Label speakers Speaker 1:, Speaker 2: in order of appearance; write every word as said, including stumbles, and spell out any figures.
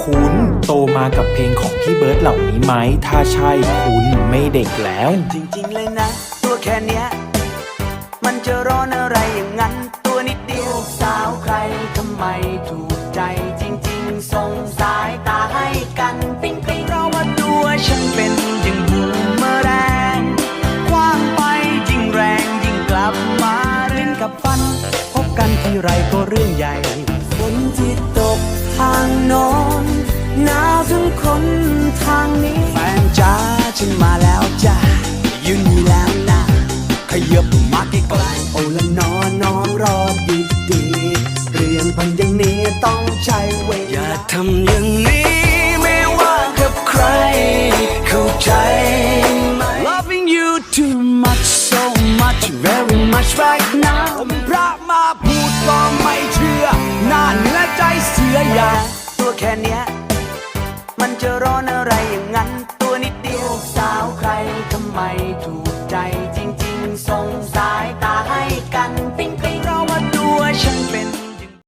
Speaker 1: คุณโตมากับเพลงของพี่เบิร์ดเหล่านี้ไหมถ้าใช่คุณไม่เด็กแล้ว
Speaker 2: จริงๆเลยนะตัวแค่เนี้ยมันจะร้อนอะไรอย่างนั้นตัวนิดเดียวสาวใครทำไมถูกใจจริงๆส่งสายตาให้กันปิ๊งปิ๊งเพราะว่าตัวฉันเป็นอย่างบูมเมอแรงคว้างไปยิ่งแรงยิ่งกลับมาเล่นกับฟันพบกันทีไรก็เรื่องใหญ่ฝนที่ตกทางโน้นหนาวถึงคนทางนี้แฟนจ้าฉันมาแล้วจ้ายืนอยู่แล้วนะขยับมาใกล้ๆโอ้ละนอนน้องรอดีดีเรื่องพันอย่างนี้ต้องใช้เวลาอย่าทำอย่างนี้ไม่ว่ากับใครเข้าใจไหม Loving you too much so much very much right now ผมพระมาพูดก็ไม่เชื่อหน้าเนื้อใจเสืออย่าตัวแค่เนี้ยมันจะร้อนอะไรอย่างนั้นตัวนิดเดียวสาวใครทำไมถูก